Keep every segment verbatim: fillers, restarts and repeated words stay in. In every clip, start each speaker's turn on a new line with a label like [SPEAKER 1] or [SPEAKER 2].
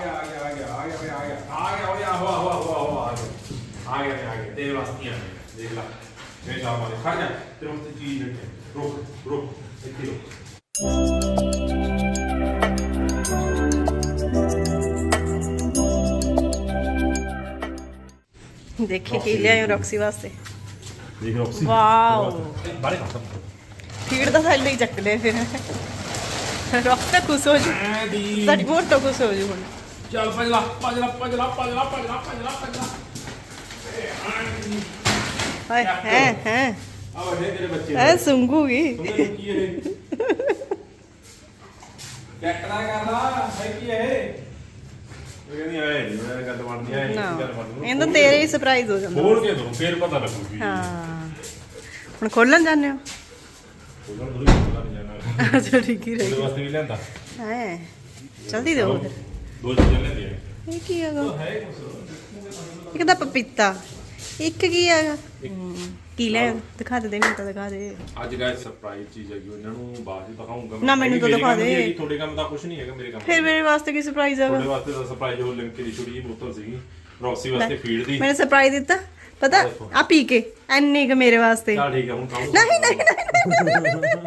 [SPEAKER 1] गया आ गया आ गया आ गया आ गया आ गया आ गया हो हो हो हो आ गया आ गया आ गया तेरे वास्ते आ गया देख ला मैं शाम वाले खा जा तेरे वास्ते चीज रखे रुक रुक इतनी रुक
[SPEAKER 2] देखिए की लिया रॉक्सी वास्ते
[SPEAKER 1] देख रॉक्सी
[SPEAKER 2] वाओ
[SPEAKER 1] बारे खत्म
[SPEAKER 2] फीड ਦਾ ਸਾਡੇ ਲਈ ਚੱਕ ਲਿਆ ਫਿਰ ਰੌਕਸ ਤਾਂ ਖੁਸ਼ ਹੋ ਜੂ ਸਾਡੀ ਮੋਰ ਤਾਂ ਖੁਸ਼ ਹੋ ਜੂ ਹੁਣ
[SPEAKER 1] ਚੱਲ ਭਜਲਾ ਭਜਲਾ ਭਜਲਾ ਭਜਲਾ ਭਜਲਾ ਭਜਲਾ ਭਜਲਾ
[SPEAKER 2] ਹਾਏ ਹੈ ਹੈ
[SPEAKER 1] ਆ ਵੱਡੇ ਤੇਰੇ ਬੱਚੇ
[SPEAKER 2] ਐ ਸੁੰਗੂਗੀ
[SPEAKER 1] ਸੁਣੋ ਕੀ ਇਹ ਕੈਕੜਾ ਕਰਦਾ ਹੈ ਕੀ ਇਹ ਇਹ ਨਹੀਂ ਆਏ ਨਹੀਂ ਮੈਂ ਗੱਲ ਬਣਦੀ ਹੈ
[SPEAKER 2] ਨਾ
[SPEAKER 1] ਗੱਲ ਬਣਦੀ
[SPEAKER 2] ਇਹ ਤਾਂ ਤੇਰੇ ਹੀ ਸਰਪ੍ਰਾਈਜ਼ ਹੋ ਜਾਂਦਾ
[SPEAKER 1] ਖੋਲ ਕੇ ਦੋ ਫੇਰ ਪਤਾ ਲੱਗੂਗੀ
[SPEAKER 2] ਹਾਂ ਹੁਣ ਖੋਲਣ ਜਾਂਦੇ ਹੋ
[SPEAKER 1] ਉਹਨਾਂ ਨੂੰ ਪਤਾ ਨਹੀਂ ਜਾਣਾ
[SPEAKER 2] ਅੱਛਾ ਠੀਕ ਹੀ
[SPEAKER 1] ਉਹਦੇ
[SPEAKER 2] ਰਹੀ
[SPEAKER 1] ਵਾਸਤੇ ਵੀ ਲੈਂਦਾ
[SPEAKER 2] ਹੈ ਜਲਦੀ ਦਿਓ ਫਿਰ
[SPEAKER 1] ਦੋ ਚੀਜ਼ਾਂ ਲੈਂਦੇ ਆ
[SPEAKER 2] ਇਹ ਕੀ ਹੈਗਾ
[SPEAKER 1] ਹੈ ਕੁਛ
[SPEAKER 2] ਇੱਕ ਤਾਂ ਪਪੀਤਾ ਇੱਕ ਕੀ ਹੈਗਾ ਕੀ ਲੈ ਦਿਖਾ ਦੇ ਦੇ ਮੈਨੂੰ ਤਾਂ ਦਿਖਾ ਦੇ
[SPEAKER 1] ਅੱਜ ਗਾਇਸ ਸਰਪ੍ਰਾਈਜ਼ ਚੀਜ਼ ਹੈਗੀ ਉਹਨਾਂ ਨੂੰ ਬਾਅਦ ਵਿੱਚ ਦਿਖਾਉਂਗਾ
[SPEAKER 2] ਨਾ, ਮੈਨੂੰ ਤਾਂ ਦਿਖਾ ਦੇ।
[SPEAKER 1] ਤੁਹਾਡੇ ਕੰਮ ਦਾ ਕੁਝ ਨਹੀਂ ਹੈਗਾ ਮੇਰੇ ਕੰਮ
[SPEAKER 2] ਫਿਰ ਮੇਰੇ ਵਾਸਤੇ ਕੀ ਸਰਪ੍ਰਾਈਜ਼ ਹੈਗਾ
[SPEAKER 1] ਤੁਹਾਡੇ ਵਾਸਤੇ ਤਾਂ ਸਰਪ੍ਰਾਈਜ਼ ਉਹ ਲਿਮਕੇ ਦੀ ਛੋਟੀ ਜਿਹੀ ਬੋਤਲ ਸੀਗੀ ਰੌਕਸੀ ਵਾਸਤੇ ਫੀਡ ਦੀ
[SPEAKER 2] ਮੈंने ਸਰਪ੍ਰਾਈਜ਼ ਦਿੱਤਾ ਪਤਾ ਆ ਪੀ ਕੇ ਐਨੀ ਕਿ ਮੇਰੇ ਵਾਸਤੇ
[SPEAKER 1] ਚੱਲ ਠੀਕ ਹੈ ਹੁਣ ਖਾਓ
[SPEAKER 2] ਨਹੀਂ ਨਹੀਂ ਨਹੀਂ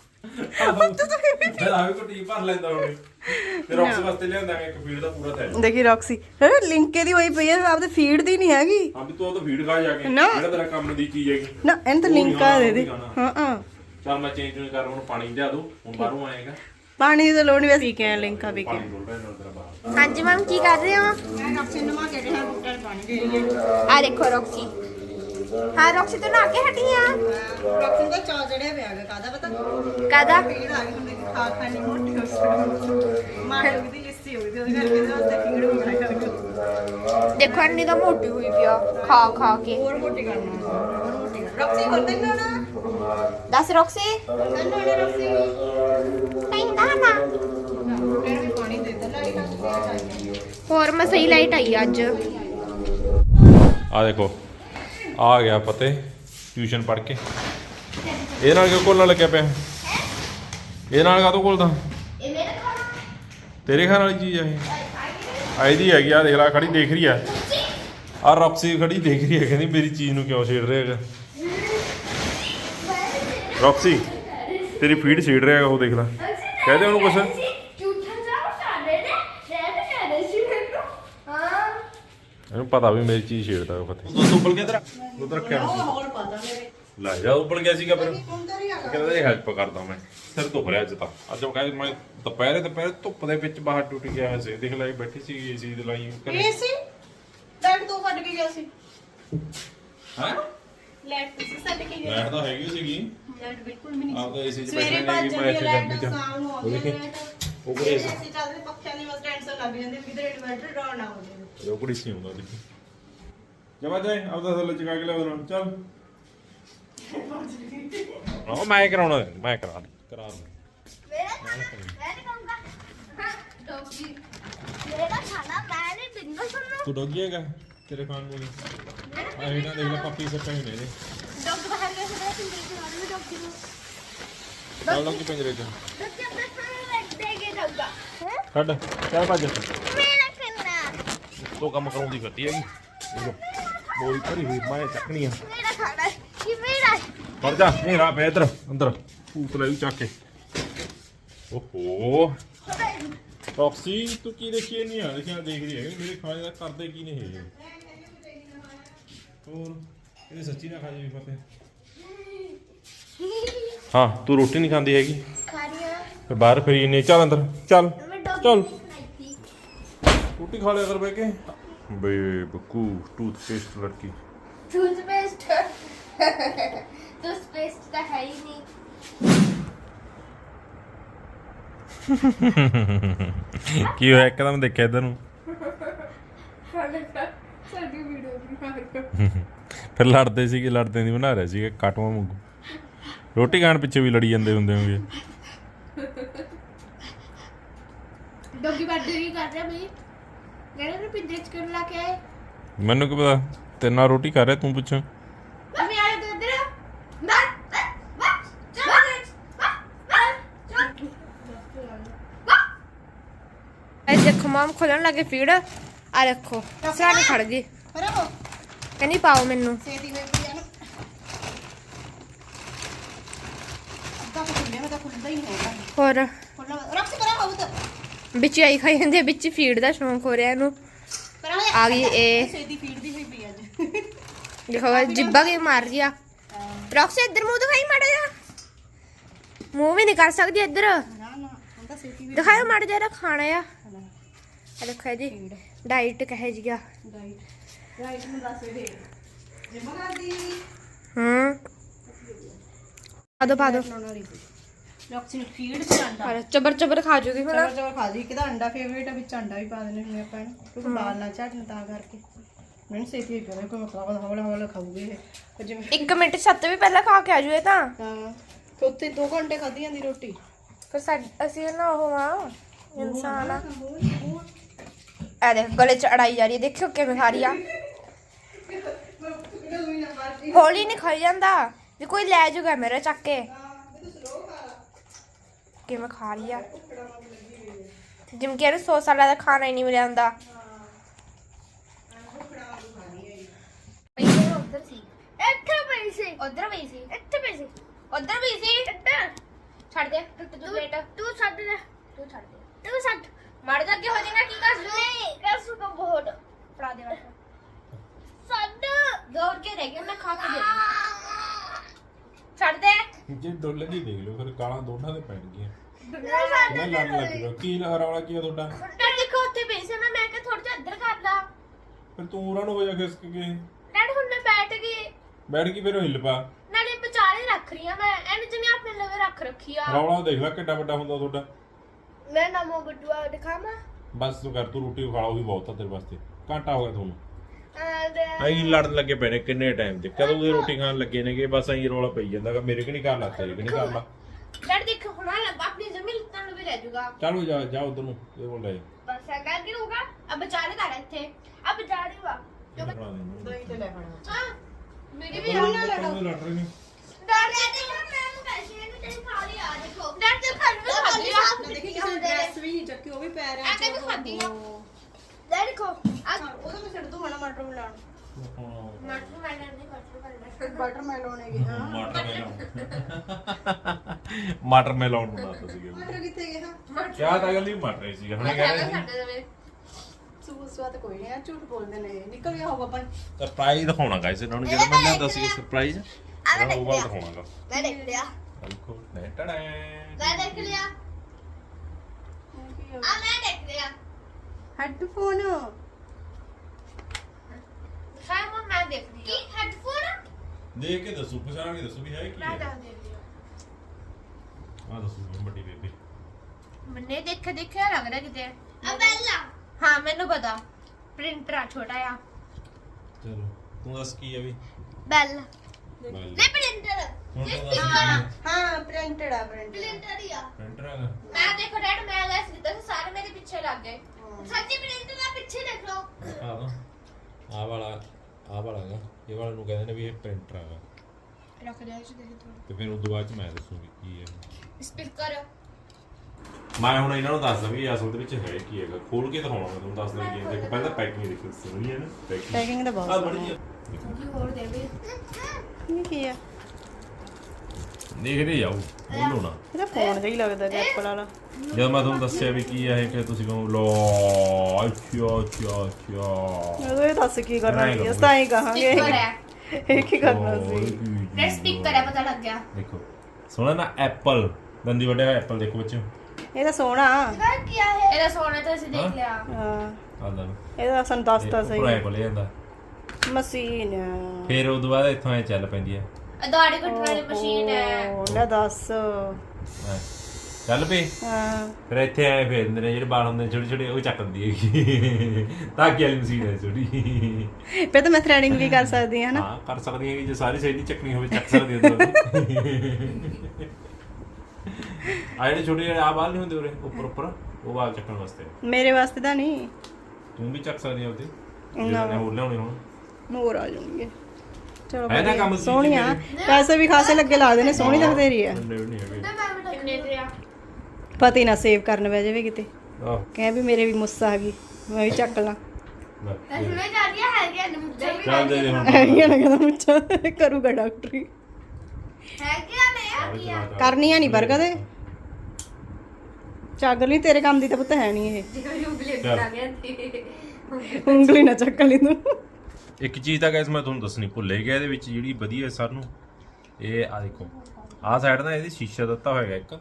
[SPEAKER 1] ਫਿਰ ਆਵੇ ਕੋ ਟੀ ਭਰ ਲੈਂਦਾ ਉਹਨੇ ਤੇ ਰੌਕਸੀ ਵਾਸਤੇ ਲਿਆਂਦਾ ਇੱਕ ਫੀਡ ਦਾ ਪੂਰਾ ਥੈਲਾ
[SPEAKER 2] ਦੇਖੀ ਰੌਕਸੀ ਹੈ ਲਿੰਕੇ ਦੀ ਹੋਈ ਪਈ ਹੈ ਆਪਦੇ ਫੀਡ ਦੀ ਨਹੀਂ ਹੈਗੀ
[SPEAKER 1] ਹਾਂ ਵੀ ਤੂੰ ਉਹ ਤਾਂ ਫੀਡ ਖਾ ਜਾ ਕੇ
[SPEAKER 2] ਨਾ।
[SPEAKER 1] ਜਿਹੜਾ ਤੇਰਾ ਕੰਮ ਦੀ ਚੀਜ਼ ਹੈਗੀ
[SPEAKER 2] ਨਾ ਇਹਨਾਂ ਤਾਂ
[SPEAKER 1] ਉਹ ਨੀ
[SPEAKER 2] ਲਿੰਕਾ ਦੇ ਦੇ
[SPEAKER 1] ਖਾਣਾ,
[SPEAKER 2] ਹਾਂ ਹਾਂ
[SPEAKER 1] ਚੱਲ ਮੈਂ ਚੇਂਜ ਚੇਂਜ ਕਰ ਹੁਣ ਪਾਣੀ ਲਿਆ ਦੋ ਹੁਣ ਬਾਹਰੋਂ ਆਏਗਾ
[SPEAKER 2] ਪਾਣੀ ਦੀ ਤਾਂ ਲੋੜ ਨਹੀਂ ਵੈਸੇ ਪੀ ਕੇ ਆਏ ਲਿੰਕਾ ਪੀ ਕੇ
[SPEAKER 1] ਪਾਣੀ ਡੋਲ ਰਿਹਾ ਨਾਲ ਤੇਰਾ ਬਾਹਰ
[SPEAKER 3] ਹਾਂਜੀ ਮੈਮ ਕੀ ਕਰ ਰਹੇ ਹੋ
[SPEAKER 2] ਮੈਂ ਰੌਕਸੀ ਨੂੰ ਮਾ ਕੇ ਰਿਹਾ ਬੁੱਟਰ ਪਾਣੀ ਦੇ ਰਹੀ
[SPEAKER 3] ਆ ਦੇਖੋ ਰੌਕਸੀ ਹਾਂ ਰੌਕਸੀ ਤੋਂ ਨਹਾ ਕੇ ਹਟੀ ਆ
[SPEAKER 2] ਰੌਕਸੀ ਦਾ ਚੌ ਚੜਿਆ ਪਿਆ ਹੈਗਾ ਕਾਦਾ ਪਤਾ
[SPEAKER 3] ਕਾਦਾ
[SPEAKER 2] ਫੀਡ ਆ ਗਈ ਹੁੰਦੀ ਖਾ ਖਾ ਨਹੀਂ ਮੋਟੀ ਹੋ ਸਕਦੀ ਮਾਂ ਦੀ ਲਿੱਸੀ ਹੋ ਗਈ ਉਹਦੇ ਕਰਕੇ ਇਹਦੇ ਵਾਸਤੇ ਫੀਡ ਬਣਾਇਆ ਕਰਕੇ
[SPEAKER 3] ਦੇਖੋ ਅੰਨੀ ਤਾਂ ਮੋਟੀ ਹੋਈ ਪਿਆ ਖਾ ਖਾ ਕੇ
[SPEAKER 2] ਹੋਰ ਮੋਟੀ ਕਰਨਾ ਹੋਰ ਮੋਟੀ ਕਰਨਾ ਰੌਕਸੀ ਹੋਰ ਤੈਨੂੰ ਨਾ
[SPEAKER 3] ਦੱਸ ਰੌਕਸੀ
[SPEAKER 2] ਤੈਨੂੰ ਨਾ ਰੌਕਸੀ
[SPEAKER 3] ਨਹੀਂ ਨਾ ਨਾ
[SPEAKER 2] ਫਿਰ ਵੀ ਪਾਣੀ ਦੇ ਦੇ ਲਾਈਟ ਆ ਗਈ
[SPEAKER 3] ਹੋਰ ਮੈਂ ਸਹੀ ਲਾਈਟ ਆਈ ਅੱਜ
[SPEAKER 1] ਆ ਦੇਖੋ ਆ ਗਿਆ ਪਤੇ ਟਿਊਸ਼ਨ ਪੜ੍ਹ ਕੇ ਇਹ ਨਾਲ ਕਿਉਂ ਕੋਲਣ ਲੱਗਿਆ ਪਿਆ ਇਹ ਨਾਲ ਕਾਹਤੋਂ ਕੋਲਦਾ
[SPEAKER 3] ਇਹ ਮੇਰਾ ਖਾਣਾ
[SPEAKER 1] ਤੇਰੇ ਖਾਣ ਵਾਲੀ ਚੀਜ਼ ਆ ਇਹ ਆਈ ਦੀ ਹੈਗੀ ਆ ਦੇਖ ਲੈ ਖੜੀ ਦੇਖ ਰਹੀ ਆ ਆ ਰੌਕਸੀ ਖੜੀ ਦੇਖ ਰਹੀ ਹੈ ਕਹਿੰਦੀ ਮੇਰੀ ਚੀਜ਼ ਨੂੰ ਕਿਉਂ ਛੇੜ ਰਿਹਾ ਹੈਗਾ ਰੌਕਸੀ ਤੇਰੀ ਫੀਡ ਛੇੜ ਰਿਹਾ ਹੈਗਾ ਉਹ ਦੇਖ ਲੈ ਕਹਦੇ ਉਹਨੂੰ ਕੁਛ
[SPEAKER 3] ਝੂਠਾ ਜਾ ਕਰ ਰਹੇ ਨੇ ਰਹਿ ਕਹਿ ਰਹੇ ਸੀ ਮੈਨੂੰ ਹਾਂ
[SPEAKER 1] ਇਹਨੂੰ ਪਤਾ ਵੀ ਮੇਰੀ ਚੀਜ਼ ਛੇੜਦਾ ਉਹ ਫਤੇ ਦੁੱਧ ਉਬਲ ਗਿਆ ਤੇਰਾ ਦੁੱਧ ਰੱਖਿਆ
[SPEAKER 2] ਹੋਰ ਪਤਾ ਮੇਰੇ
[SPEAKER 1] ਲੈ ਜਾ ਉਬਲ ਗਿਆ ਸੀਗਾ ਫਿਰ
[SPEAKER 2] ਅੰਦਰ ਹੀ ਆ
[SPEAKER 1] ਕਹਿੰਦਾ ਤੇਰੀ ਹੈਲਪ ਕਰਦਾ ਮੈਂ ਸਿਰ ਧੁੱਪ ਰਿਹਾ ਅੱਜ ਤਾਂ ਅੱਜ ਮੈਂ ਕਹਿੰਦਾ ਮੈਂ ਦੁਪਹਿਰੇ ਦੁਪਹਿਰੇ ਧੁੱਪ ਦੇ ਵਿੱਚ ਬਾਹਰ ਟੁੱਟ ਗਿਆ ਹੋਇਆ ਸੀ ਦੇਖ ਲੈ ਬੈਠੀ ਸੀ ਏਸੀ ਦੇ ਲਾਈ
[SPEAKER 2] ਇਹ ਸੀ ਲਾਈਟ ਤੋਂ ਫਟ ਕੇ ਗਿਆ ਸੀ
[SPEAKER 1] ਹਾਂ
[SPEAKER 2] ਲਾਈਟ ਤੋਂ ਸੱਟ ਕੇ ਗਿਆ
[SPEAKER 1] ਲਾਈਟ ਤਾਂ ਹੈਗੀ ਸੀਗੀ
[SPEAKER 2] ਲਾਈਟ ਬਿਲਕੁਲ ਵੀ ਨਹੀਂ
[SPEAKER 1] ਆਪ ਤਾਂ ਏਸੀ 'ਚ
[SPEAKER 2] ਸਵੇਰੇ
[SPEAKER 1] ਬੈਠੇ ਨੇ
[SPEAKER 2] ਭੱਜ
[SPEAKER 1] ਕਿ ਮੈਂ
[SPEAKER 2] ਜਾਂਦੀ
[SPEAKER 1] ਇੱਥੇ
[SPEAKER 2] ਲਾਈਟ
[SPEAKER 1] ਗਰਮੀ 'ਚ
[SPEAKER 2] ਸ਼ਾਮ ਨੂੰ
[SPEAKER 1] ਉਹ
[SPEAKER 2] ਆਉਂਦੀ
[SPEAKER 1] ਦੇਖੀ
[SPEAKER 2] ਲਾਈਟ
[SPEAKER 1] ਉਹ ਕੋਲੇ ਏਸੀ
[SPEAKER 2] ਅਸੀਂ ਚੱਲਦੇ ਪੱਖਿਆਂ ਦੀ ਬਸ ਟੈਨਸ਼ਨ ਲੱਗ ਜਾਂਦੀ ਵੀ ਕਿਧਰੇ ਇਨਵਰਟਰ ਡਾਊਨ ਨਾ ਹੋ ਜਾਵੇ
[SPEAKER 1] ਉਹ ਕੁੜੀ ਸੀ ਹੁੰਦਾ ਦੇਖੀ ਜਮਾ ਜਾਏ ਆਪਦਾ ਥੱਲੇ ਚਕਾ ਕੇ ਲਿਆ ਉਹਨਾਂ ਨੂੰ ਚੱਲ ਉਹ ਮੈਂ ਕਰਾਉਣਾ ਮੈਂ ਕਰਾ ਕਰਾ
[SPEAKER 3] ਮੇਰਾ ਖਾਣਾ ਮੈਂ ਨਹੀਂ ਖਾਊਂਗਾ ਹਾਂ ਡੌਗੀ ਮੇਰਾ ਖਾਣਾ ਮੈਂ ਨਹੀਂ ਦਿੰਦਾ ਤੁਹਾਨੂੰ
[SPEAKER 1] ਤੂੰ ਡੋਗੀ ਹੈਗਾ ਤੇਰੇ ਖਾਣ ਨੂੰ ਆ ਇਹਨਾਂ ਦੇਖ ਲੈ ਪੱਪੀ ਸੱਟੇ ਹੋਏ ਨੇ ਇਹਦੇ
[SPEAKER 3] ਡੌਗ ਬਾਹਰ ਗਏ ਸੀ ਪਿੰਜਰੇ ਚ ਨਾਲ ਵੀ ਡੌਗੀ ਨੂੰ
[SPEAKER 1] ਚੱਲ ਡੋਗੀ ਪਿੰਜਰੇ 'ਚ
[SPEAKER 3] ਡੌਗੀ ਆਪਣੇ ਖਾਣੇ ਲੱਗ ਦੇਗੇ ਡੌਗਾ ਹੈ
[SPEAKER 1] ਛੱਡ ਚੱਲ ਭੱਜ
[SPEAKER 3] ਮੇਰਾ ਖਾਣਾ
[SPEAKER 1] ਤੋ ਕੰਮ ਕਰਾਉਂਦੀ ਫਿਰਦੀ ਹੈਗੀ ਦੇਖੋ ਬੋਰੀ ਭਰੀ ਹੋਈ ਮੈਂ ਚੱਕਣੀ ਆ
[SPEAKER 3] ਮੇਰਾ ਖਾਣਾ ਕੀ ਮੇਰਾ
[SPEAKER 1] ਫੜ ਜਾ ਨੇਰਾ ਪੈ ਇੱਧਰ ਅੰਦਰ ਭੂਤ ਲੈ ਚੱਕ ਕੇ ਓਹੋ ਰੌਕਸੀ ਤੂੰ ਕੀ ਦੇਖੀ ਨਹੀਂ ਆ ਦੇਖਿਆ ਦੇਖ ਰਹੀ ਹੈ ਮੇਰੇ ਖਾਣੇ ਦਾ ਕਰਦੇ ਕੀ ਨੇ ਇਹ ਹੋਰ ਇਹਦੇ ਸੱਚੀ ਨਾ ਖਾ ਜੀ ਫਤੇ ਹਾਂ ਤੂੰ ਰੋਟੀ ਨਹੀਂ ਖਾਂਦੀ ਹੈਗੀ
[SPEAKER 3] ਖਾ ਰਹੀ ਹਾਂ
[SPEAKER 1] ਫਿਰ ਬਾਹਰ ਫਰੀ ਨੇ ਚੱਲ ਅੰਦਰ ਚੱਲ
[SPEAKER 3] ਮੈਂ ਡੌਗੀ
[SPEAKER 1] ਚੱਲ
[SPEAKER 3] ਬਣਾਈ ਥੀ
[SPEAKER 1] ਰੋਟੀ ਖਾ ਲਿਆ ਕਰ ਬੈ ਕੇ ਬੇ ਬਕੂ ਟੂਥਪੇਸਟ ਲੜਕੀ
[SPEAKER 3] ਟੂਥਪੇਸਟ ਟੂਥਪੇਸਟ ਤਾਂ ਹੈ ਹੀ ਨਹੀਂ
[SPEAKER 1] ਕੀ ਹੋਇਆ ਇੱਕਦਮ ਦੇਖਿਆ ਇਧਰ ਨੂੰ
[SPEAKER 3] ਸਾਡੀ ਵੀਡੀਓ ਬਣਾ
[SPEAKER 1] ਫਿਰ ਲੜਦੇ ਸੀਗੇ ਲੜਦੇ ਨਹੀਂ ਬਣਾ ਰਿਹਾ ਸੀਗਾ ਕਾਟੂਆਂ ਵਾਂਗੂ ਰੋਟੀ ਖਾਣ ਪਿੱਛੇ ਵੀ ਲੜੀ ਜਾਂਦੇ ਹੁੰਦੇ ਹੋਗੇ
[SPEAKER 3] ਡੌਗੀ ਬਰਥਡੇ ਵੀ ਕਰ ਰਿਹਾ ਬਈ ਜਿਹੜੇ ਨੂੰ ਪਿੰਜਰੇ ਚ ਕਿਉਂ ਲਾ ਕੇ ਆਏ
[SPEAKER 1] ਮੈਨੂੰ ਕੀ ਪਤਾ ਤੇਰੇ ਨਾਲ ਰੋਟੀ ਕਰ ਰਿਹਾ ਤੂੰ ਪੁੱਛ
[SPEAKER 3] ਮੰਮੀ ਆਏ ਤੇ ਇੱਧਰ ਨਾ ਇਹ ਦੇਖੋ
[SPEAKER 4] ਮਾਮ ਖੋਲਣ ਲੱਗੇ ਫੀਡ ਆ ਰੱਖੋ ਸਾਰੇ ਖੜ ਗਈ
[SPEAKER 2] ਪਰ ਉਹ
[SPEAKER 4] ਕਹਿੰਦੀ ਪਾਓ ਮੈਨੂੰ
[SPEAKER 2] ਸੇਤੀ ਹੋਈ ਪਈ ਆ ਨਾ ਅੱਧਾ ਕੁ ਖੁੱਲਿਆ ਮੈਂ ਤਾਂ ਖੁੱਲਦਾ ਹੀ ਨਹੀਂ ਹੈਗਾ
[SPEAKER 4] ਹੋਰ
[SPEAKER 2] ਖੁੱਲਣਾ ਰੱਖ ਕਰਾ ਹੋਊ ਤਾਂ
[SPEAKER 4] ਵਿੱਚ ਆਈ ਖਾਈ ਜਾਂਦੇ ਵਿੱਚ ਫੀਡ ਦਾ ਸ਼ੌਂਕ ਹੋ ਰਿਹਾ ਇਹਨੂੰ
[SPEAKER 2] ਪਰ
[SPEAKER 4] ਆ ਗਈ ਇਹ
[SPEAKER 2] ਸੇਤੀ ਫੀਡ ਦੀ ਹੋਈ ਪਈ ਅੱਜ
[SPEAKER 4] ਦੇਖੋ ਜਿੱਬਾ ਕੇ ਮਾਰ ਰਹੀ ਆ ਰੌਕਸ ਇੱਧਰ ਮੂੰਹ ਦਿਖਾਈ ਮਾੜਾ ਜਿਹਾ ਮੂੰਹ ਵੀ ਨਹੀਂ ਕਰ ਸਕਦੀ ਇੱਧਰ
[SPEAKER 2] ਨਾ ਨਾ ਹੁਣ ਤਾਂ ਸੇਤੀ ਹੋਈ
[SPEAKER 4] ਦਿਖਾਓ ਮਾੜਾ ਜਿਹਾ ਖਾਣਾ ਆ ਆ ਦੇਖੋ ਜੀ ਡਾਈਟ ਕਹੇ ਜੀਗਾ
[SPEAKER 2] ਰਾਈਟ ਰਾਈਟ ਨੂੰ ਦੱਸ ਦੇ ਜਿਮ ਕਰਦੀ
[SPEAKER 4] ਹੂੰ ਪਾ ਦੋ ਪਾ ਦੋ
[SPEAKER 2] ਲੌਕਸੀ ਨੂੰ ਫੀਡ ਤੇ ਅੰਡਾ
[SPEAKER 4] ਪਰ ਚਬਰ ਚਬਰ ਖਾ ਜੂਗੀ ਹੁਣ
[SPEAKER 2] ਚਲੋ ਚਲੋ ਖਾ ਲਈ ਕਿਹਦਾ ਅੰਡਾ ਫੇਵਰੇਟ ਆ ਵਿੱਚ ਅੰਡਾ ਵੀ ਪਾ ਦਿੰਦੇ ਹੁੰਦੇ ਆਪਾਂ ਇਹਨੂੰ ਕਿਉਂਕਿ ਬਾਲ ਨਾ ਝੜਨ ਤਾਂ ਕਰਕੇ ਮੈਨੂੰ ਸੇਤੀ ਹੋਈ ਪਈ ਕੋਈ ਮਤਲਬ ਹੌਲਾ ਹੌਲਾ ਖਾਊਗੇ ਇਹ ਜਿਵੇਂ
[SPEAKER 4] ਇੱਕ ਮਿੰਟ ਸੱਤ ਵੀ ਪਹਿਲਾਂ ਖਾ ਕੇ ਆ ਜੂਏ ਤਾਂ
[SPEAKER 2] ਹਾਂ ਤੇ ਉੱਥੇ ਦੋ ਘੰਟੇ ਖਾਧੀ ਜਾਂਦੀ ਰੋਟੀ
[SPEAKER 4] ਫਿਰ ਸਾਡ ਅਸੀਂ ਨਾ ਉਹ ਆ ਇਨਸਾਨ ਆ ਆ ਦੇਖ ਗਲੇ ਚ ਅੜਾਈ ਜਾ ਰਹੀ ਹੈ ਦੇਖਿਓ ਕਿਵੇਂ ਖਾ ਰਹੀ ਆ ਹੌਲੀ ਨਹੀਂ ਖਾਈ ਜਾਂਦਾ ਵੀ ਕੋਈ ਲੈ ਜਾਊਗਾ ਮੇਰਾ ਚੱਕ ਕੇ ਕਿਵੇਂ ਖਾ ਰਹੀ ਆ ਜਿਵੇਂ ਕਿ ਇਹਨੂੰ ਸੌ ਸਾਲਾਂ ਦਾ ਖਾਣਾ ਹੀ ਨਹੀਂ ਮਿਲਿਆ ਹੁੰਦਾ ਪੈਸੇ ਉਧਰ ਸੀ
[SPEAKER 3] ਇੱਥੇ ਪਈ ਸੀ
[SPEAKER 4] ਉਧਰ ਵੀ ਸੀ
[SPEAKER 3] ਇੱਥੇ ਪਈ ਸੀ
[SPEAKER 4] ਉਧਰ ਵੀ ਸੀ
[SPEAKER 3] ਇੱਧਰ
[SPEAKER 4] ਛੱਡ ਦੇ ਟੁੱਟ ਤੂੰ ਪਲੇਟ
[SPEAKER 3] ਤੂੰ ਛੱਡ ਦੇ
[SPEAKER 4] ਤੂੰ ਛੱਡ ਦੇ
[SPEAKER 3] ਤੂੰ ਛੱਡ
[SPEAKER 4] ਮੜ ਜਾ ਕੇ ਹੋ ਜਾਏਗਾ ਕੀ ਕਰ
[SPEAKER 3] ਨਹੀਂ ਕਸੂਗਾ ਬਹੁਤ
[SPEAKER 4] ਫੜਾ ਦੇ ਬਸ
[SPEAKER 3] ਛੱਡ
[SPEAKER 4] ਦੌੜ ਕੇ ਰਹਿ ਗਿਆ ਮੈਂ ਖਾ ਕੇ ਦੇ ਛੱਡ ਦੇ
[SPEAKER 1] ਜੇ ਡੁੱਲ ਗਈ ਦੇਖ ਲਓ ਫਿਰ ਕਾਲਾਂ ਦੋਨਾਂ ਦੇ ਪੈਣ ਗਈਆਂ
[SPEAKER 3] ਛੱਡ
[SPEAKER 1] ਮੈਂ ਲੜ ਲੱਗੂਗਾ ਕੀ ਰੌਲਾ ਕੀ ਆ ਤੁਹਾਡਾ
[SPEAKER 4] ਡੈਡ ਦੇਖੋ ਉੱਥੇ ਪਈ ਸੀ ਨਾ ਮੈਂ ਕਿਹਾ ਥੋੜਾ ਜਿਹਾ ਇੱਧਰ ਕਰ ਲਾ
[SPEAKER 1] ਫਿਰ ਤੂੰ ਉਹਨਾਂ ਨੂੰ ਹੋ ਜਾ ਖਿਸਕ ਕੇ
[SPEAKER 4] ਡੈਡ ਹੁਣ ਮੈਂ ਬੈਠ ਗਈ
[SPEAKER 1] ਬੈਠ ਕੇ ਫਿਰ ਉਹ ਹਿੱਲ ਪਾ
[SPEAKER 4] ਨਾਲੇ ਵਿਚਾਲੇ ਰੱਖ ਰਹੀ ਆ ਮੈਂ ਇਹਨੂੰ ਜਿਵੇਂ ਆਪਣੇ ਲਵੇ ਰੱਖ ਰੱਖੀ ਆ
[SPEAKER 1] ਰੌਲਾ ਦੇਖ ਲੈ ਕਿੱਡਾ ਵੱਡਾ ਹੁੰਦਾ ਤੁਹਾਡਾ
[SPEAKER 4] ਮੈਂ ਨਮੋ ਬਟੂਆ ਦਿਖਾਵਾਂ
[SPEAKER 1] ਬਸ ਤੂੰ ਕਰ ਤੂੰ ਰੋਟੀ ਖਾ ਲਾ ਉਹ ਵੀ ਬਹੁਤ ਆ ਤੇਰੇ ਵਾਸਤੇ ਘੰਟਾ ਹੋ ਗਿਆ ਤੁਹਾਨੂੰ ਐਂ ਲੜਨ ਲੱਗੇ ਪਏ ਨੇ ਕਿੰਨੇ ਟਾਈਮ ਤੇ ਕਦੋਂ ਦੇ ਰੋਟੀ ਖਾਣ ਲੱਗੇ ਨੇਗੇ ਬਸ ਐਂ ਰੌਲਾ ਪਈ ਜਾਂਦਾਗਾ ਮੇਰੇ ਕਿ ਨਹੀਂ ਕਰ ਲਾ ਤੇਰੇ ਕਿ ਨਹੀਂ ਕਰ ਲਾ
[SPEAKER 4] ਡੈਡ ਦੇਖ ਹੁਣ ਆ ਆਪਣੀ ਜ਼ਮੀਨ ਲੱਤਾਂ ਨੂੰ ਵੀ ਲੈ ਜਾਊਗਾ
[SPEAKER 1] ਚਲੋ ਜਾ ਜਾ ਉਧਰ ਨੂੰ ਇਹ ਕੋਲ ਲੈ
[SPEAKER 4] ਬਸ ਐਗਾ ਕੀ ਹੋਊਗਾ ਅਬ ਵਿਚਾਲੇ ਕਰ ਇੱਥੇ ਅਬ ਵਿਚਾਲੇ ਵਾ
[SPEAKER 2] ਦਹੀਂ ਤੇ ਲੈ ਖਾਣਾ
[SPEAKER 4] ਹਾਂ ਮੇਰੀ ਵੀ
[SPEAKER 1] ਲੜ ਰਹੇ ਨੇ
[SPEAKER 4] ਡੈਡ ਦੇ ਮੈਂ ਪੈਸੇ ਨੂੰ ਤੇ ਖਾ ਲਈ ਆ ਦੇਖੋ ਡੈਡ ਤੇ ਖਾ ਲਈ ਖਾ ਲਈ ਆ
[SPEAKER 2] ਦੇਖੀ ਕਿਸੇ ਡਰੈਸ ਵੀ ਨਹੀਂ ਚੱਕੀ ਉਹ ਵੀ ਪੈ ਰਿਹਾ
[SPEAKER 4] ਆ ਕੇ ਵੀ ਖਾਦੀ ਆ
[SPEAKER 3] ਲੈ ਦੇਖੋ
[SPEAKER 2] ਆ ਉਹਦਾ ਮੈਂ ਛੱਡ ਦੂੰ ਮਣਾ ਮਟਰ ਮਿਲਾਉਣ
[SPEAKER 4] ਮਟਰ ਮੈਲਨ ਨਹੀਂ ਮਟਰ
[SPEAKER 2] ਬਟਰ ਮੈਲੋਨ ਹੈਗੇ ਹਾਂ
[SPEAKER 1] ਮਟਰ ਮਟਰ ਮੈਲੋਨ ਬਣਾਤਾ ਸੀਗਾ
[SPEAKER 2] ਮਟਰ ਕਿੱਥੇ ਗਏ ਹਾਂ
[SPEAKER 1] ਕਿਆ ਤਾਂ ਗੱਲ ਨਹੀਂ ਮਟਰ ਹੀ ਸੀਗਾ ਹੁਣੇ ਕਹਿ ਰਹੇ ਸੀ
[SPEAKER 4] ਸਾਡੇ ਦੇਵੇ
[SPEAKER 2] ਸੂਸ ਸਵਾਦ ਕੋਈ ਨਹੀਂ ਆ ਝੂਠ ਬੋਲਦੇ ਨੇ ਨਿਕਲ ਗਿਆ ਹੋਗਾ ਭਾਈ
[SPEAKER 1] ਸਰਪ੍ਰਾਈਜ਼ ਦਿਖਾਉਣਾ ਗਾਇਸ ਇਹਨਾਂ ਨੂੰ ਜਦੋਂ ਮੈਂ ਲਿਆਂਦਾ ਸੀ ਸਰਪ੍ਰਾਈਜ਼ ਇਹਨਾਂ ਨੂੰ ਉਹ ਦਿਖਾਉਣਾਗਾ
[SPEAKER 3] ਮੈਂ ਦੇਖ ਲਿਆ
[SPEAKER 1] ਦੇਖੋ ਲੈ ਟੜਾ
[SPEAKER 3] ਮੈਂ ਦੇਖ ਲਿਆ ਆ ਮੈਂ ਦੇਖ ਲਿਆ
[SPEAKER 2] ਹੈਡਫੋਨ
[SPEAKER 4] ਸਾਈਮਨ ਮੈਂ ਦੇਖ
[SPEAKER 3] ਕੀ
[SPEAKER 4] ਲਿਆ
[SPEAKER 3] ਹੈਡਫੋਨ
[SPEAKER 1] ਦੇਖ ਕੇ ਦੱਸੋ ਪਛਾਣ ਕੇ ਦੱਸੋ ਵੀ ਹੈ ਕੀ
[SPEAKER 4] ਮੈਂ
[SPEAKER 1] ਹੈ
[SPEAKER 4] ਤਾਂ ਦੇਖ ਲਿਆ
[SPEAKER 1] ਆ ਦੱਸੋ ਵੱਡੀ ਬੇਬੀ
[SPEAKER 4] ਮੈਨੇ ਦੇਖ ਦੇਖਿਆ ਲੱਗ ਰਿਹਾ ਕਿਤੇ
[SPEAKER 3] ਆ ਬੈਲਾ
[SPEAKER 4] ਹਾਂ ਮੈਨੂੰ ਪਤਾ ਪ੍ਰਿੰਟਰ ਆ ਛੋਟਾ ਆ
[SPEAKER 1] ਚਲੋ ਤੂੰ ਦੱਸ ਕੀ ਹੈ ਵੀ
[SPEAKER 3] ਬੈਲ
[SPEAKER 1] ਨਹੀਂ
[SPEAKER 3] ਨਹੀਂ ਪ੍ਰਿੰਟਰ
[SPEAKER 1] ਹੁਣ
[SPEAKER 3] ਜਿਸ
[SPEAKER 1] ਤਾਂ
[SPEAKER 3] ਦੀ
[SPEAKER 1] ਦੱਸ
[SPEAKER 2] ਹਾਂ ਪ੍ਰਿੰਟਡ ਆ ਪ੍ਰਿੰਟਡ
[SPEAKER 3] ਪ੍ਰਿੰਟਰ ਹੀ ਆ
[SPEAKER 1] ਪ੍ਰਿੰਟਰ ਹੈਗਾ
[SPEAKER 4] ਮੈਂ ਦੇਖੋ ਡੈਡ ਮੈਂ ਲੈਸ ਦਿੱਤਾ ਸੀ ਸਾਰੇ ਮੇਰੇ ਪਿੱਛੇ ਲੱਗ ਗਏ
[SPEAKER 3] ਸੱਚੀ ਪ੍ਰਿੰਟਰ ਦਾ ਪਿੱਛੇ ਦੇਖ ਲਓ
[SPEAKER 1] ਆ ਆ ਵਾਲਾ ਆ ਵਾਲਾ ਹੈਗਾ ਇਹ ਵਾਲਾ ਨੂੰ ਕਹਿੰਦੇ ਨੇ ਵੀ ਇਹ ਪ੍ਰਿੰਟਰ ਹੈਗਾ
[SPEAKER 4] ਰੱਖ ਦੇ ਇਸ ਦੇ ਥੋੜਾ
[SPEAKER 1] ਤੇ ਫਿਰ ਉਦੋਂ ਬਾਅਦ ਚ ਮੈਂ ਦੱਸੂਗੀ ਕੀ ਹੈ
[SPEAKER 4] ਸਪੀਕਰ
[SPEAKER 1] ਮੈਂ ਹੁਣ ਇਹਨਾਂ ਨੂੰ ਦੱਸਦਾ ਵੀ ਅਸਲ ਦੇ ਵਿੱਚ ਹੈ ਕੀ ਹੈਗਾ ਖੋਲ ਕੇ ਦਿਖਾਉਣਾ ਮੈਂ ਤੁਹਾਨੂੰ ਦੱਸਦਾ ਵੀ ਦੇਖੋ ਪਹਿਲਾਂ ਪੈਕਿੰਗ ਦੇਖੋ ਸੋਹਣੀ ਹੈ ਨਾ ਪੈਕਿੰਗ
[SPEAKER 2] ਪੈਕਿੰਗ ਤਾਂ
[SPEAKER 1] ਆ
[SPEAKER 2] ਬਹੁਤ
[SPEAKER 1] ਬੜੀ ਹੈ
[SPEAKER 4] ਕੀ ਹੋਰ ਦੇ ਵੀ
[SPEAKER 2] ਇਹ ਕੀ ਆ
[SPEAKER 1] ਦੇਖਦੇ ਜਾਓ ਬੋਲੋ ਨਾ
[SPEAKER 2] ਇਹਦਾ ਫੋਨ ਜਿਹਾ ਹੀ ਲੱਗਦਾ ਜੀ ਐਪਲ ਵਾਲਾ
[SPEAKER 1] ਜਦ ਮੈਂ ਤੁਹਾਨੂੰ ਦੱਸਿਆ ਵੀ ਕੀ ਹੈ ਕਿ ਤੁਸੀਂ ਕਹੋ ਲੋ ਅੱਛਾ ਅੱਛਾ ਅੱਛਾ
[SPEAKER 2] ਉਹ ਇਹ ਦੱਸ ਕੀ ਕਰਨਾ ਸੀ ਅਸੀਂ ਤਾਂ ਹੀ ਕਹਾਂਗੇ
[SPEAKER 4] ਸਪੀਕਰ ਹੈ
[SPEAKER 2] ਇਹ ਕੀ ਕਰਨਾ ਸੀ
[SPEAKER 4] ਡੈਡ ਸਪੀਕਰ ਹੈ ਪਤਾ ਲੱਗ ਗਿਆ
[SPEAKER 1] ਦੇਖੋ ਸੋਹਣਾ ਨਾ ਐਪਲ ਦੰਦੀ ਵੱਡੇ ਹੋਇਆ ਐਪਲ ਦੇਖੋ ਬੱਚਿਓ
[SPEAKER 2] ਇਹ ਤਾਂ ਸੋਹਣਾ
[SPEAKER 3] ਇਹਦਾ ਕੀ ਹੈ
[SPEAKER 4] ਇਹਦਾ ਸੋਨਾ ਤਾਂ ਅਸੀਂ ਦੇਖ ਲਿਆ
[SPEAKER 2] ਹਾਂ
[SPEAKER 1] ਆ ਲੈ
[SPEAKER 2] ਇਹਦਾ ਸਾਨੂੰ ਦੱਸਤਾ ਸਹੀ
[SPEAKER 1] ਉੱਪਰ ਐਪਲ ਜਾਂਦਾ
[SPEAKER 2] ਮਸ਼ੀਨ
[SPEAKER 1] ਫਿਰ ਉਦੋਂ ਬਾਅਦ ਇੱਥੋਂ ਐ ਚੱਲ ਪੈਂਦੀ ਹੈ
[SPEAKER 4] ਦਾੜੀ ਕੱਟਣ ਵਾਲੀ ਮਸ਼ੀਨ ਹੈ
[SPEAKER 2] ਉਹ ਲੈ ਦੱਸ
[SPEAKER 1] ਐਂ। ਚੱਲ ਪਈ
[SPEAKER 2] ਹਾਂ
[SPEAKER 1] ਫਿਰ ਇੱਥੇ ਐ ਫੇਰਦੇ ਨੇ ਜਿਹੜੇ ਬਾਲ ਹੁੰਦੇ ਛੋਟੇ ਛੋਟੇ ਉਹ ਚੱਕ ਦਿੰਦੀ ਹੈਗੀ ਤਾਂ ਕੀ ਵਾਲੀ ਮਸ਼ੀਨ ਹੈ ਛੋਟੀ
[SPEAKER 2] ਫਿਰ ਤਾਂ ਮੈਂ ਥ੍ਰੈਡਿੰਗ ਵੀ ਕਰ ਸਕਦੀ ਹਾਂ ਨਾ
[SPEAKER 1] ਹਾਂ ਕਰ ਸਕਦੀ ਹੈ ਜੇ ਸਾਰੀ ਸਾਈਡ ਦੀ ਚੱਕਣੀ ਹੋਵੇ ਚੱਕ ਸਕਦੀ ਹੈ ਆ ਜਿਹੜੇ ਛੋਟੇ ਜਿਹੜੇ ਆ ਬਾਲ ਨਹੀਂ ਹੁੰਦੇ ਉਰੇ ਉੱਪਰ ਉੱਪਰ ਉਹ ਬਾਲ ਚੱਕਣ ਵਾਸਤੇ
[SPEAKER 2] ਮੇਰੇ ਵਾਸਤੇ ਤਾਂ ਨਹੀਂ
[SPEAKER 1] ਤੂੰ ਵੀ ਚੱਕ ਸਕਦੀ ਆ ਉਹਦੇ
[SPEAKER 2] ਨਾ।
[SPEAKER 1] ਜਿਹੜਾ ਹੋਰ ਲਿਆਉਣੇ ਹੁਣ
[SPEAKER 2] ਮੋਰ ਆ ਜਾਣਗੇ ਚਲੋ
[SPEAKER 1] ਹੈ ਨਾ
[SPEAKER 2] ਵਧੀਆ।
[SPEAKER 1] ਕੰਮ ਸੀ
[SPEAKER 2] ਸੋਹਣੀਆਂ ਪੈਸੇ ਵੀ ਖਾਸੇ ਲੱਗੇ ਲੱਗਦੇ ਨੇ ਸੋਹਣੀ ਤਾਂ ਬਥੇਰੀ ਆ
[SPEAKER 1] ਨਹੀਂ ਨਹੀਂ ਹੈਗੇ
[SPEAKER 4] ਕਿੰਨੇ ਦੇ ਆ
[SPEAKER 2] ਪਤਾ ਹੀ ਨਾ ਸੇਵ ਕਰਨ ਬਹਿ ਜਾਵੇ ਕਿਤੇ
[SPEAKER 1] ਆਹ
[SPEAKER 2] ਕਹਿ ਵੀ ਮੇਰੇ ਵੀ ਮੁੱਸ ਆ ਗਈ ਮੈਂ ਵੀ ਚੱਕ ਲਾਂ
[SPEAKER 1] ਲੈ,
[SPEAKER 3] इसमें जा दिया है क्या मुझे भी
[SPEAKER 1] ਚੱਲ ਦੇ ਦੇ ਹੁਣ
[SPEAKER 2] ਹੈਗੀਆਂ ਨਾ ਕਹਿੰਦਾ ਮੁੱਛਾਂ ਕਰੂਗਾ ਡਾਕਟਰੀ
[SPEAKER 3] है क्या नहीं किया
[SPEAKER 2] ਕਰਨੀਆਂ ਨਹੀਂ ਪਰ ਕਦੇ ਚੱਕ ਲਈ ਤੇਰੇ ਕੰਮ ਦੀ ਤਾਂ ਪੁੱਤ ਹੈ ਨਹੀਂ ਇਹ ਉਂਗਲੀ ਨਾ ਚੱਕ ਲਈ ਤੂੰ
[SPEAKER 1] ਇੱਕ ਚੀਜ਼ ਤਾਂ ਗਾਇਸ ਮੈਂ ਤੁਹਾਨੂੰ ਦੱਸਣੀ ਭੁੱਲੇ ਗਿਆ ਇਹਦੇ ਵਿੱਚ ਜਿਹੜੀ ਵਧੀਆ ਸਰ ਨੂੰ ਇਹ ਆ ਦੇਖੋ ਆਹ ਸਾਈਡ ਨਾ ਇਹਦੀ ਸ਼ੀਸ਼ਾ ਦਿੱਤਾ ਹੋਏਗਾ ਇੱਕ ਆ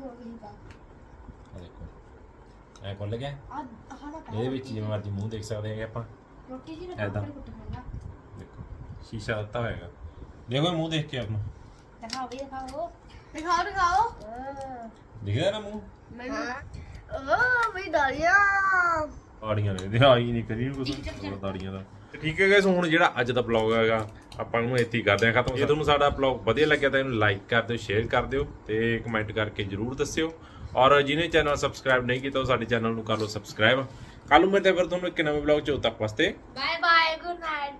[SPEAKER 1] ਦੇਖੋ ਐ ਖੁੱਲ ਗਿਆ ਇਹਦੇ ਵਿੱਚ ਜਿਵੇਂ ਮਰਜ਼ੀ ਮੂੰਹ ਦੇਖ ਸਕਦੇ ਹੈਗੇ ਆਪਾਂ ਐਦਾਂ ਦੇਖੋ ਸ਼ੀਸ਼ਾ ਦਿੱਤਾ ਹੋਏਗਾ ਦੇਖੋ ਇਹ ਮੂੰਹ ਦੇਖ ਕੇ ਆਪਣਾ
[SPEAKER 3] दिखाओ दिखाओ
[SPEAKER 1] ਦਿਖਦਾ ਨਾ ਮੂੰਹ
[SPEAKER 3] ओ मेरी दाढ़ियाँ
[SPEAKER 1] ਦਾੜੀਆਂ ਨੇ ਦਿਹਾਈ ਨਹੀਂ ਕਰੀ ਕੁਝ ਦਾੜੀਆਂ ਦਾ ਤੇ ਠੀਕ ਹੈ ਗਾਇਸ ਹੁਣ ਜਿਹੜਾ ਅੱਜ ਦਾ ਵਲੌਗ ਹੈਗਾ ਆਪਾਂ ਨੂੰ ਇੱਥੇ ਹੀ ਕਰਦੇ ਹਾਂ ਖਤਮ ਜੇ ਤੁਹਾਨੂੰ ਸਾਡਾ ਵਲੌਗ ਵਧੀਆ ਲੱਗਿਆ ਤਾਂ ਇਹਨੂੰ ਲਾਈਕ ਕਰ ਦਿਓ ਸ਼ੇਅਰ ਕਰ ਦਿਓ ਤੇ ਕਮੈਂਟ ਕਰਕੇ ਜਰੂਰ ਦੱਸਿਓ ਔਰ ਜਿਹਨੇ ਚੈਨਲ ਸਬਸਕ੍ਰਾਈਬ ਨਹੀਂ ਕੀਤਾ ਉਹ ਸਾਡੇ ਚੈਨਲ ਨੂੰ ਕਰ ਲਓ ਸਬਸਕ੍ਰਾਈਬ ਕੱਲ ਨੂੰ ਮਿਲਦੇ ਫਿਰ ਤੁਹਾਨੂੰ ਇੱਕ ਨਵੇਂ ਵਲੌਗ ਚ ਉਦੋਂ ਤੱਕ ਵਾਸਤੇ
[SPEAKER 3] बाय बाय गुड नाइट